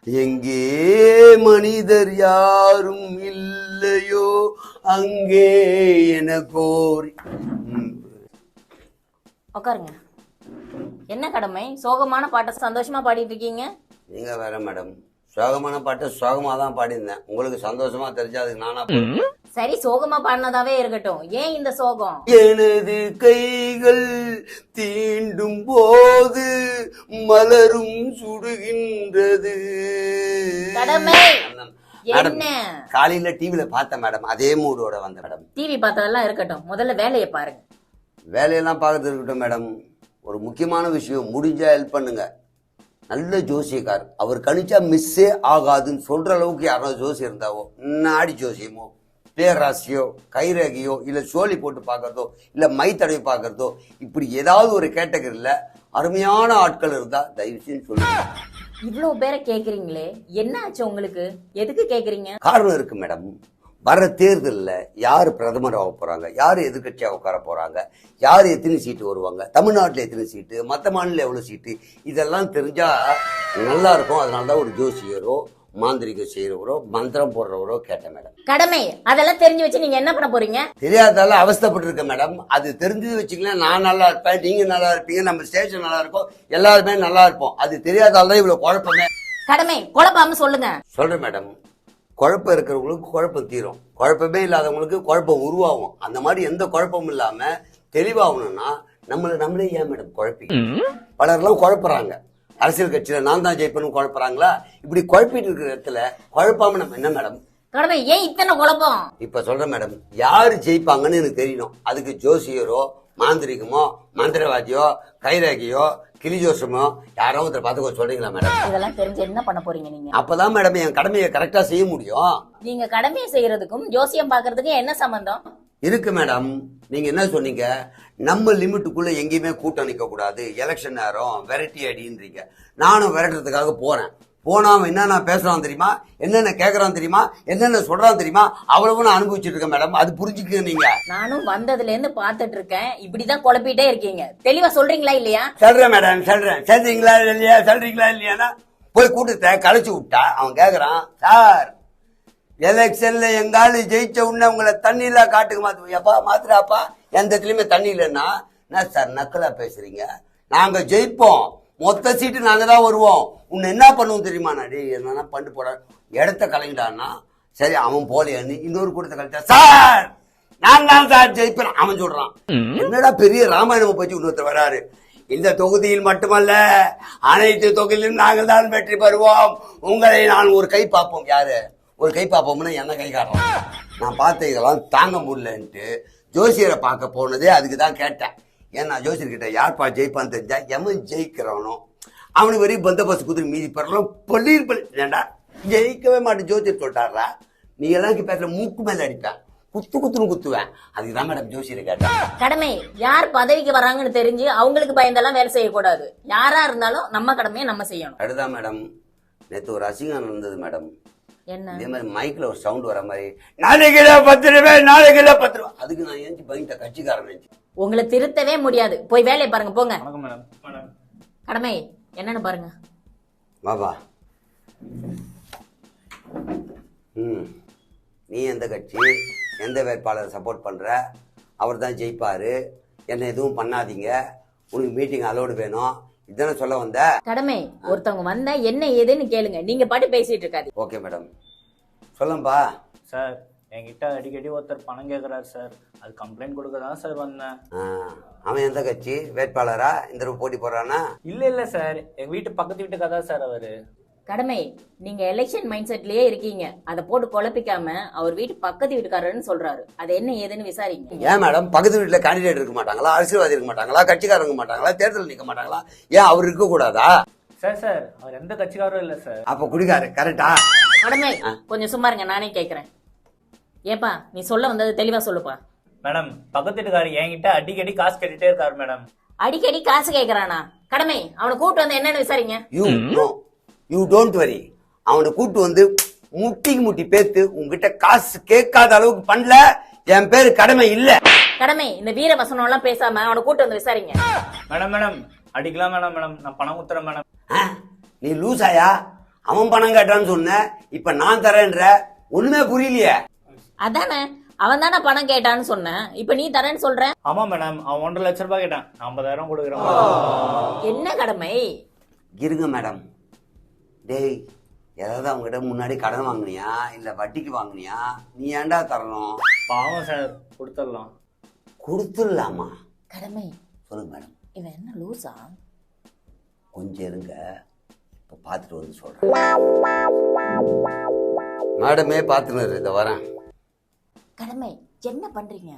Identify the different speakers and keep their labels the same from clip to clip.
Speaker 1: எங்கே மனிதர் யாரும் இல்லையோ அங்கே எனக்கோரி.
Speaker 2: உட்காருங்க. என்ன கடமை? சோகமான பாட்டை சந்தோஷமா பாடிட்டு இருக்கீங்க.
Speaker 1: நீங்க வேற மேடம், சோகமான பாட்டை சோகமா தான் பாடியிருந்தேன். உங்களுக்கு சந்தோஷமா தெரிஞ்சா அதுக்கு நானா?
Speaker 2: சரி, சோகமா பாடினதாவே இருக்கட்டும். ஏன் இந்த சோகம்?
Speaker 1: எனது கைகள் தீண்டும் போது மலரும் சுடுகின்றது.
Speaker 2: கடமை என்ன?
Speaker 1: காலையில டிவில பார்த்தேன் மேடம், அதே மூடோட வந்த மேடம்.
Speaker 2: டிவி பார்த்ததெல்லாம் இருக்கட்டும், முதல்ல வேலையை பாருங்க.
Speaker 1: வேலையெல்லாம் பார்க்கறது இருக்கட்டும் மேடம், ஒரு முக்கியமான விஷயம், முடிஞ்சா ஹெல்ப் பண்ணுங்க. நல்ல ஜோசியக்கார், அவர் கணிச்சா மிஸ்ஸே ஆகாதுன்னு சொல்ற அளவுக்கு யாராவது ஜோசி இருந்தாவோ, நாடி ஜோசியமோ பேராசியோ கைரேகையோ இல்ல சோழி போட்டு பாக்குறதோ இல்ல மை தடவி பாக்குறதோ, இப்படி ஏதாவது ஒரு கேட்டகரியில அருமையான ஆட்கள் இருந்தா தயவு செஞ்சு சொல்லுங்க.
Speaker 2: இவ்வளவு பேரை கேக்குறீங்களே, என்ன ஆச்சு உங்களுக்கு? எதுக்கு கேக்குறீங்க?
Speaker 1: காரணம் இருக்கு மேடம். வர்ற தேர்தலில் யார் பிரதமராக போறாங்க, யார் எதிர்கட்சியாக உட்கார போறாங்க, யார் எத்தனை சீட்டு வருவாங்க, தமிழ்நாட்டில் எத்தனை சீட்டு, மற்ற மாநிலம் எவ்வளவு சீட்டு, இதெல்லாம் தெரிஞ்சா நல்லா இருக்கும். அதனாலதான் ஒரு ஜோசியரோ மாந்திரிகம் செய்யறவரோ மந்திரம் போடுறவரோ கேட்டேன் மேடம்.
Speaker 2: கடமை அதெல்லாம் தெரிஞ்சு வச்சு நீங்க என்ன பண்ண போறீங்க?
Speaker 1: தெரியாதால அவஸ்தப்பட்டு இருக்க மேடம். அது தெரிஞ்சது வச்சுக்கலாம், நான் நல்லா இருப்பேன், நீங்க நல்லா இருப்பீங்க, நம்ம ஸ்டேஷன் நல்லா இருக்கும், எல்லாருமே நல்லா இருப்போம். அது தெரியாதால்தான் இவ்வளவு குழப்பமே.
Speaker 2: கடமை குழப்பாம சொல்லுங்க.
Speaker 1: சொல்றேன் மேடம், குழப்பம் இருக்கிறவங்களுக்கு குழப்பம் தீரும், குழப்பமே இல்லாதவங்களுக்கு குழப்பம் உருவாகும். அந்த மாதிரி எந்த குழப்பமும் இல்லாம தெளிவாகணும்னா நம்மளே ஏன் மேடம் குழப்பி? பலர்லாம் குழப்பறாங்க. அரசியல் கட்சியில நான் தான் ஜெயிப்பேன்னு குழப்பறாங்களா? இப்படி குழப்பிட்டு இருக்கிற இடத்துல குழப்பாம நம்ம என்ன மேடம்?
Speaker 2: கடமை ஏன் இத்தனை குழப்பம்?
Speaker 1: இப்ப சொல்றேன் மேடம், யாரு ஜெயிப்பாங்கன்னு எனக்கு தெரியணும். அதுக்கு ஜோசியரோ மாந்திரிகமோ மந்திரவாதியோ கைரேகையோ கிளிஜோசமோ யாரோ ஒருத்தர் பார்த்து சொல்றீங்களா மேடம்?
Speaker 2: இதெல்லாம் தெரிஞ்சு என்ன பண்ண போறீங்க நீங்க?
Speaker 1: அப்பதான் மேடம் என் கடமையை கரெக்டா செய்ய முடியும்.
Speaker 2: நீங்க கடமையை செய்யறதுக்கும் ஜோசியம் பாக்குறதுக்கும் என்ன சம்பந்தம்
Speaker 1: இருக்கு மேடம்? நீங்க என்ன சொன்னீங்க, நம்ம லிமிட்டுக்குள்ள எங்கேயுமே கூட்டம் நிக்க கூடாது, எலெக்ஷன் நேரம் வெரைட்டி அடின்றீங்க. நானும் விரட்டுறதுக்காக போறேன். போனா அவன் என்னென்ன பேசுறான் தெரியுமா, என்னென்ன கேக்குறான் தெரியுமா, என்னென்ன சொல்றான் தெரியுமா, அவ்வளவு நான் அனுபவிச்சுட்டு இருக்கேன் மேடம். அது புரிஞ்சுக்க நீங்க.
Speaker 2: நானும் வந்ததுல இருந்து பாத்துட்டு இருக்கேன், இப்படிதான் குழப்பிட்டே இருக்கீங்க. தெளிவா சொல்றீங்களா இல்லையா?
Speaker 1: சொல்றேன் மேடம், சொல்றேன். சொல்றீங்களா இல்லையா, சொல்றீங்களா இல்லையானா போய் கூட்டத்தை கலைச்சு விட்டா அவன் கேக்குறான், சார் எலெக்ஷன்ல எங்காலும் ஜெயிச்ச உடனே உங்களை தண்ணியில காட்டுக்கு மாத்துப்பா மாத்துறாப்பா, எந்த இடத்துலயுமே தண்ணி இல்லைன்னா என்ன சார் நக்கலா பேசுறீங்க? நாங்க ஜெயிப்போம், மொத்த சீட்டு நாங்க தான் வருவோம், உன்னை என்ன பண்ணுவோம் தெரியுமா? நாடி என்னன்னா பண்ணு போட இடத்த கலைஞ்சிட்டான்னா சரி, அவன் போலியான்னு இன்னொரு கூட்டத்தை கலைச்சா, சார் நான் தான் சார் ஜெயிப்பேன் அவன் சொல்றான். என்னடா பெரிய ராமாயணம் பற்றி இன்னொருத்தர் வராரு, இந்த தொகுதியில் மட்டுமல்ல அனைத்து தொகுதியிலும் நாங்கள் தான் வெற்றி பெறுவோம், உங்களை நான் ஒரு கை பார்ப்போம். யாரு ஒரு கை பார்ப்போம்னா என்ன கை காட்டுறான்? நான் பார்த்த இதெல்லாம் தாங்க முடியலன்ட்டு ஜோசியரை பார்க்க போனதே அதுக்கு தான் கேட்டேன். ஏன்னா ஜோசியர்கிட்ட யார்ப்பா ஜெயிப்பான்னு தெரிஞ்சா எவன் ஜெயிக்கிறவனோ அவனுக்கு வரையும் பந்தோபஸ்து குதிரை மீதி பெறலாம். ஏண்டா ஜெயிக்கவே மாட்டேன் ஜோசியர் சொல்லிட்டாரா? நீ எல்லாம் பேசுற மூக்கு மேல அடிப்பேன், குத்துன்னு குத்துவேன். அதுக்கு தான் மேடம் ஜோசியரை கேட்டேன்.
Speaker 2: கடமை யார் பதவிக்கு வராங்கன்னு தெரிஞ்சு அவங்களுக்கு பயந்தெல்லாம் வேலை செய்யக்கூடாது. யாரா இருந்தாலும் நம்ம கடமையை நம்ம செய்யணும்.
Speaker 1: அதுதான் மேடம். நேற்று ஒரு அசிங்கம் நடந்தது மேடம்.
Speaker 2: என்ன?
Speaker 1: இதே மாதிரி மைக்ல ஒரு சவுண்ட் வர மாதிரி, 4 கிலோ 10 ரூபாய், 4 கிலோ 10 ரூபாய். அதுக்கு நான் ஏஞ்சி பயந்த கட்சிக்காரன்.
Speaker 2: உங்களை திருத்தவே முடியாது, போய் வேலையை பாருங்க போங்க.
Speaker 3: மேடம்
Speaker 2: கடமை என்னன்னு பாருங்க.
Speaker 1: பாபா நீ எந்த கட்சி எந்த வேட்பாளரை சப்போர்ட் பண்ற, அவர் தான் ஜெயிப்பாரு, என்ன எதுவும் பண்ணாதீங்க, உனக்கு மீட்டிங் அலோடு வேணும், இதான சொல்ல வந்த?
Speaker 2: கடமை ஒருத்தவங்க வந்தா என்ன ஏதுன்னு கேளுங்க, நீங்க பாட்டு பேசிட்டு இருக்காது.
Speaker 1: Okay madam, சொல்லும்பா.
Speaker 3: சார் என்கிட்ட அடிக்கடி ஒருத்தர் பணம் கேட்குறாரு சார், அது கம்ப்ளைண்ட் கொடுக்க தான் சார் வந்தேன்.
Speaker 1: அவன் எந்த கட்சி வேட்பாளரா? இந்த போட்டி போடுறானா?
Speaker 3: இல்ல சார், எங்க வீட்டு பக்கத்து வீட்டுக்காக தான் சார் அவரு.
Speaker 2: கடமை நீங்க எலெக்ஷன் மைண்ட் செட்லயே இருக்கீங்க, அதை போட்டு குழப்பிக்காம அவர் வீட்டு பக்கத்து வீட்டுக்காரன்னு சொல்றாரு, அது என்ன ஏதுன்னு விசாரிங்க.
Speaker 1: ஏன் மேடம் பக்கத்து வீட்டுல கேண்டிடேட் இருக்க மாட்டாங்களா, அரசியல்வாதி இருக்க மாட்டாங்களா, கட்சிக்காரங்க இருக்க மாட்டாங்களா, தேர்தல் நிக்க மாட்டாங்களா? ஏன் அவர் இருக்க கூடாதா?
Speaker 3: சார் அவர் எந்த கட்சிக்காரரும் இல்ல சார்.
Speaker 1: அப்ப குடிக்காரு கரெக்டா?
Speaker 2: கடமை கொஞ்சம் சும்மா இருங்க, நானே கேக்குறேன். ஏப்பா நீ சொல்ல வந்தது தெளிவா சொல்லுப்பா.
Speaker 3: மேடம் பக்கத்து வீட்டுக்காரர் என்கிட்ட அடிக்கடி காசு கேட்டுட்டே இருக்காரு மேடம்.
Speaker 2: அடிக்கடி காசு கேக்குறானா? கடமை அவனை கூட்டு வந்து என்னன்னு விசாரிங்க.
Speaker 1: யூ டோன்ட் வரி, அவனை கூட்டு வந்து முட்டிக்கு முட்டி பேத்து உங்ககிட்ட காசு கேட்காத அளவுக்கு பண்ணல, என் பேரு கடமை இல்ல.
Speaker 2: கடமை இந்த வீர வசனம் எல்லாம் பேசாம அவனை கூட்டு வந்து விசாரிங்க.
Speaker 3: மேடம் அடிக்கலாம் மேடம், நான் பணம் ஊத்துறேன் மேடம்.
Speaker 1: நீ லூசாயா? அவன் பணம் கேட்டான்னு சொன்ன, இப்ப நான் தரேன்ற, ஒண்ணுமே புரியலையே.
Speaker 2: அதானே, அவன் தானே பணம் கேட்டான்னு சொன்னேன், இப்ப நீ தரேன்னு சொல்ற.
Speaker 3: ஆமா மேடம், அவன் 1.5 லட்ச ரூபாய் கேட்டான், நான் 50,000 கொடுக்குறேன்.
Speaker 2: என்ன கடமை?
Speaker 1: இருங்க மேடம். டேய், ஏதாவது அவங்ககிட்ட முன்னாடி கடன் வாங்குனியா இல்ல வட்டிக்கு வாங்குனியா? நீ ஏன்டா தரணும்?
Speaker 3: பாவம் சார், கொடுத்துடலாம்.
Speaker 1: கொடுத்துடலாமா?
Speaker 2: கடமை.
Speaker 1: சொல்லுங்க மேடம்.
Speaker 2: இவன் என்ன லூசா?
Speaker 1: கொஞ்சம் இருங்க, இப்ப பார்த்துட்டு வந்து சொல்றேன். மேடமே பார்த்துன்னு இதை வரேன்.
Speaker 2: கடமை, என்ன பண்றீங்க?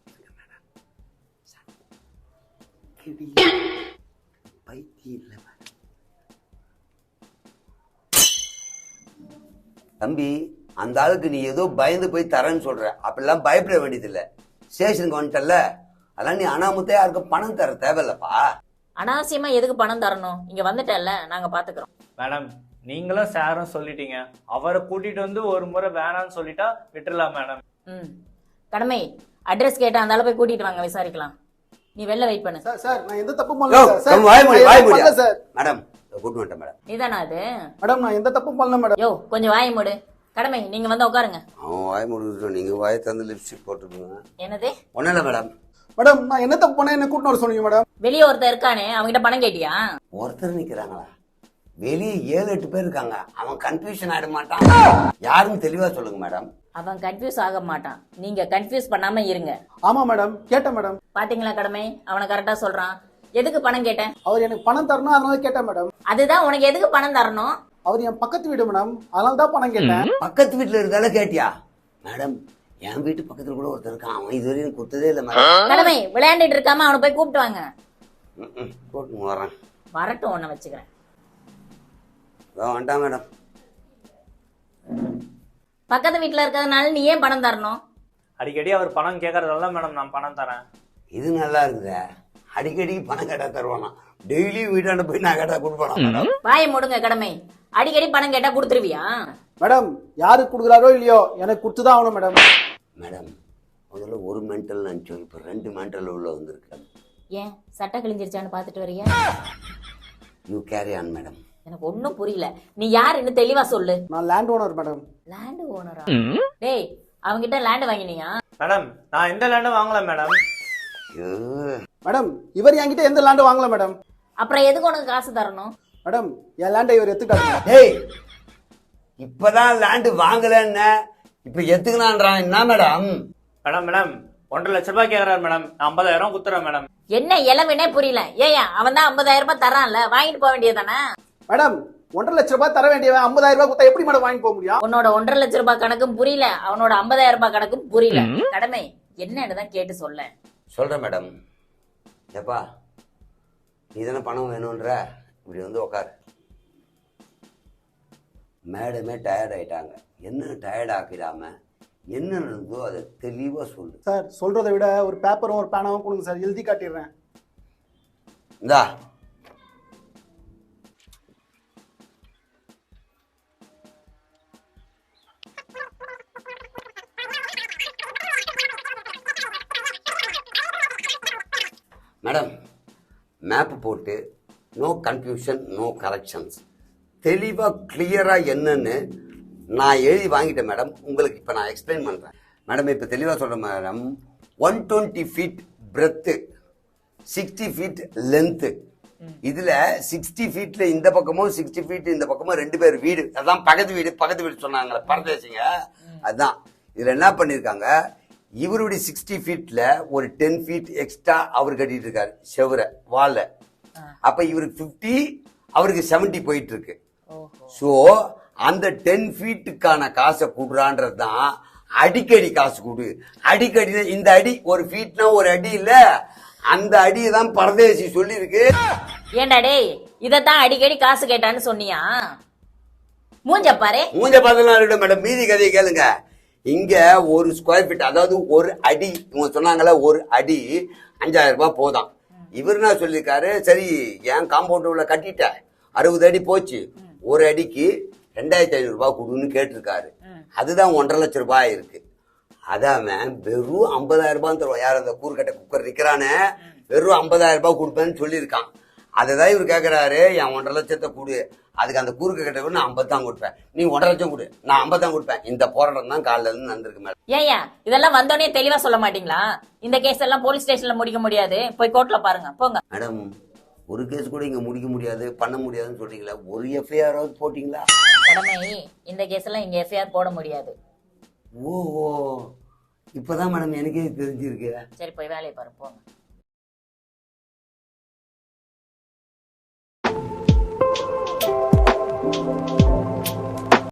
Speaker 1: பைத்தியம் இல்ல தம்பி, அந்த ஆளுக்கு நீ ஏதோ பயந்து போய் தரேன்னு சொல்ற. அப்படிலாம் பயப்பட வேண்டியதில்லை. ஸ்டேஷனுக்கு வந்துட்டல, அதெல்லாம் நீ அனாமுத்தே யாருக்கும் பணம் தர தேவையில்லப்பா.
Speaker 2: அனாவசியமா எதுக்கு பணம் தரணும்? இங்க வந்துட்டல, நாங்க பாத்துக்கிறோம்.
Speaker 3: மேடம், நீங்களும் சாரும் சொல்லிட்டீங்க, அவரை கூட்டிட்டு வந்து ஒரு முறை வேணான்னு சொல்லிட்டா விட்டுறலாம் மேடம்.
Speaker 2: கடமை, அட்ரஸ் கேட்டா அந்த ஆளை போய் கூட்டிட்டு வாங்க, விசாரிக்கலாம். நீ வெளில வெயிட் பண்ணு.
Speaker 4: சார் நான் எந்த தப்பும் பண்ணல சார்.
Speaker 1: மேடம் கூட்டு வந்துட்டேன் மேடம்.
Speaker 2: நீதானா அது?
Speaker 4: மேடம் நான் எந்த தப்பும் பண்ணல மேடம்.
Speaker 2: யோ, கொஞ்சம் வாய் மூடு. கடமை, நீங்க வந்து உட்காருங்க.
Speaker 1: அவன் வாய் மூடிட்டு நீங்க வாயை தந்து லிப்ஸ்டிக் போட்டுருங்க.
Speaker 2: என்னது?
Speaker 1: ஒன்னும் இல்ல மேடம்.
Speaker 4: மேடம் நான் என்ன தப்பு பண்ண என்ன கூட்டு வர சொன்னீங்க மேடம்?
Speaker 2: வெளியே ஒருத்தர் இருக்கானே, அவங்கிட்ட பணம் கேட்டியா?
Speaker 1: ஒருத்தர் நிக்கிறாங்களா? வெளியே 7-8 பேர் இருக்காங்க. அவன் கன்ஃபியூஷன் ஆயிட மாட்டான்? யாருன்னு தெளிவா சொல்லுங்க மேடம்.
Speaker 2: அவன் கன்ஃபியூஸ் ஆக மாட்டான், நீங்க கன்ஃபியூஸ் பண்ணாம இருங்க.
Speaker 4: ஆமா மேடம், கேட்டேன் மேடம்.
Speaker 2: பாத்தீங்களா கடமை, அவனை கரெக்டா சொல்றான். எதுக்கு பணம் கேட்டேன்?
Speaker 4: அவர் எனக்கு பணம் தரணும், அதனால கேட்டேன் மேடம்.
Speaker 2: அதுதான், உனக்கு எதுக்கு பணம் தரணும்?
Speaker 4: அவர் என் பக்கத்து வீடு மேடம், அதனால தான் பணம் கேட்டேன்.
Speaker 1: பக்கத்து வீட்டுல இருந்தால கேட்டியா? மேடம், என் வீட்டு பக்கத்துல கூட ஒருத்தர் இருக்கான். அவன் இதுவரையும் கொடுத்ததே இல்ல மேடம்.
Speaker 2: கடமை, விளையாண்டுட்டு இருக்காம அவனை போய் கூப்பிட்டு வாங்க.
Speaker 1: கூப்பிட்டு வரேன்.
Speaker 2: வரட்டும், உன்னை வச்சுக்கிறேன்.
Speaker 1: வந்துட்டான் மேடம்.
Speaker 2: பக்கத்து வீட்டுல இருக்கிறதுனால நீ ஏன் பணம் தரணும்?
Speaker 3: அடிக்கடி அவர் பணம் கேட்கறதால மேடம் நான் பணம் தரேன்.
Speaker 1: இது நல்லா இருக்குதே. அடிக்கடி பணம் கேட்டா தருவானா? டெய்லி வீட்டாண்ட போய் நான் கேட்டா கொடுப்பானா மேடம்?
Speaker 2: வாயை மூடுங்க கடமை. அடிக்கடி பணம் கேட்டா கொடுத்துருவியா?
Speaker 4: மேடம் யாருக்கு கொடுக்குறாரோ இல்லையோ, எனக்கு கொடுத்துதான் ஆகணும் மேடம்.
Speaker 1: மேடம், முதல்ல ஒரு மென்டல் நினைச்சோம், இப்ப 2 மென்டல் உள்ள வந்திருக்கு.
Speaker 2: ஏன் சட்டை கிழிஞ்சிருச்சான்னு பாத்துட்டு வரியா?
Speaker 1: You carry on madam.
Speaker 2: எனக்கு ஒன்னும் புரியல, நீ யாருன்னு தெளிவா சொல்லு.
Speaker 4: நான் லேண்ட் ஓனர் மேடம்.
Speaker 2: லேண்ட் ஓனரா? டேய், அவங்கிட்ட லேண்ட் வாங்கினியா?
Speaker 3: மேடம், நான் எந்த லேண்டும் வாங்கல மேடம்.
Speaker 4: மேடம் இவர் என்கிட்ட எந்த லேண்டும் வாங்கல மேடம்.
Speaker 2: அப்புறம் எதுக்கு உனக்கு காசு தரணும்?
Speaker 4: மேடம் என் லேண்டை இவர் எடுத்துக்கிட்டாரு.
Speaker 1: டேய், இப்பதான் லேண்ட் வாங்கலன்னு இப்ப எத்துக்கலான்றான். என்ன மேடம்?
Speaker 3: மேடம் மேடம் 1.5 லட்ச ரூபாய் கேட்கறாரு மேடம், நான் 50,000 குத்துறேன் மேடம்.
Speaker 2: என்ன இளவனே புரியல. ஏயா, அவன் தான் 50,000 ரூபாய் தரான்ல, வாங்கிட்டு போக வேண்டியதானே?
Speaker 4: மேடம் 1.5 லட்ச ரூபாய் தர வேண்டியவன் 50,000 ரூபாய் கொடுத்தா எப்படி மேடம் வாங்கி போக முடியும்?
Speaker 2: உன்னோட 1.5 லட்ச ரூபாய் கணக்கும் புரியல, அவனோட 50,000 ரூபாய் கணக்கும் புரியல. கடமை, என்னன்னு தான் கேட்டு சொல்ல.
Speaker 1: சொல்றேன் மேடம். ஏப்பா, நீ தானே பணம் வேணும்ன்ற, இப்படி வந்து உக்காரு. மேடமே டயர்ட் ஆயிட்டாங்க. என்ன டயர்ட் ஆக்கிடாம என்ன நடந்ததோ அதை தெளிவா சொல்லு.
Speaker 4: சார் சொல்றதை விட ஒரு பேப்பரும் ஒரு பேனாவும் கொடுங்க சார், எழுதி காட்டிடுறேன்.
Speaker 1: இந்தா. மேடம், மேப் போட்டு நோ கன்ஃபியூஷன் நோ கரெக்ஷன்ஸ், தெளிவாக கிளியராக என்னன்னு நான் எழுதி வாங்கிட்டேன் மேடம். உங்களுக்கு இப்போ நான் எக்ஸ்பிளைன் பண்ணுறேன் மேடம். இப்போ தெளிவாக சொல்கிறேன் madam. 120 feet breadth, 60 feet length. இதில் 60 ஃபீட்டில் இந்த பக்கமும் 60 ஃபீட் இந்த பக்கமும் 2 பேர் வீடு. அதான் பக்கத்து வீடு சொன்னாங்களே பரதேசிங்க. அதுதான் இதில் என்ன பண்ணியிருக்காங்க, இவருடைய 60 ஃபீட்ல ஒரு 10 ஃபீட் எக்ஸ்ட்ரா அவர் கட்டிட்டு இருக்காரு செவரை வாழ. அப்ப இவருக்கு 50, அவருக்கு 70 போயிட்டு இருக்கு. சோ அந்த 10 ஃபீட்டுக்கான காசை கூடுறான்றது தான் அடிக்கடி காசு கூடு. அடிக்கடி இந்த அடி ஒரு ஃபீட்னா ஒரு அடி இல்ல, அந்த அடியை தான் பரதேசி சொல்லி இருக்கு.
Speaker 2: ஏண்டா டேய், இதத்தான் அடிக்கடி காசு கேட்டான்னு சொன்னியா? மூஞ்ச பாரு.
Speaker 1: மூஞ்ச பார்த்தா மேடம், மீதி கதையை கேளுங்க. இங்க ஒரு ஸ்கொயர் ஃபீட், அதாவது ஒரு அடி, இவங்க சொன்னாங்கல்ல ஒரு அடி 5,000 ரூபாய் போதான். இவர் என்ன சொல்லியிருக்காரு, சரி என் காம்பவுண்ட் உள்ள கட்டிட்ட 60 அடி போச்சு, ஒரு அடிக்கு 2,500 ரூபாய் கொடுன்னு கேட்டிருக்காரு. அதுதான் 1.5 லட்ச ரூபாய் இருக்கு. அதான் வெறும் 50,000 ரூபாய் தருவோம். யார் அந்த கூறுகட்ட குக்கர் நிக்கிறானே, வெறும் 50,000 ரூபாய் கொடுப்பேன்னு சொல்லியிருக்கான். அதுதான் இவர் கேட்குறாரு, என் 1.5 லட்சத்தை கொடு, அதுக்கு அந்த குறுக்கு கிட்ட கூட நான் 50 தான் கொடுப்பேன், நீ 1.5 லட்சம் கொடு, நான் 50 தான் கொடுப்பேன். இந்த போராட்டம் தான் காலையில இருந்து நடந்திருக்கு மேடம்.
Speaker 2: ஏயா இதெல்லாம் வந்தோடனே தெளிவா சொல்ல மாட்டீங்களா? இந்த கேஸ் எல்லாம் போலீஸ் ஸ்டேஷன்ல முடிக்க முடியாது, போய் கோர்ட்ல பாருங்க போங்க.
Speaker 1: மேடம், ஒரு கேஸ் கூட இங்க முடிக்க முடியாது, பண்ண முடியாதுன்னு சொல்றீங்களா? ஒரு எஃப்ஐஆராவது போட்டிங்களா?
Speaker 2: கடமை, இந்த கேஸ் எல்லாம் இங்க எஃப்ஐஆர் போட முடியாது.
Speaker 1: ஓ, இப்பதான் மேடம் எனக்கே தெரிஞ்சிருக்கு.
Speaker 2: சரி போய் வேலையை பாருங்க போங்க.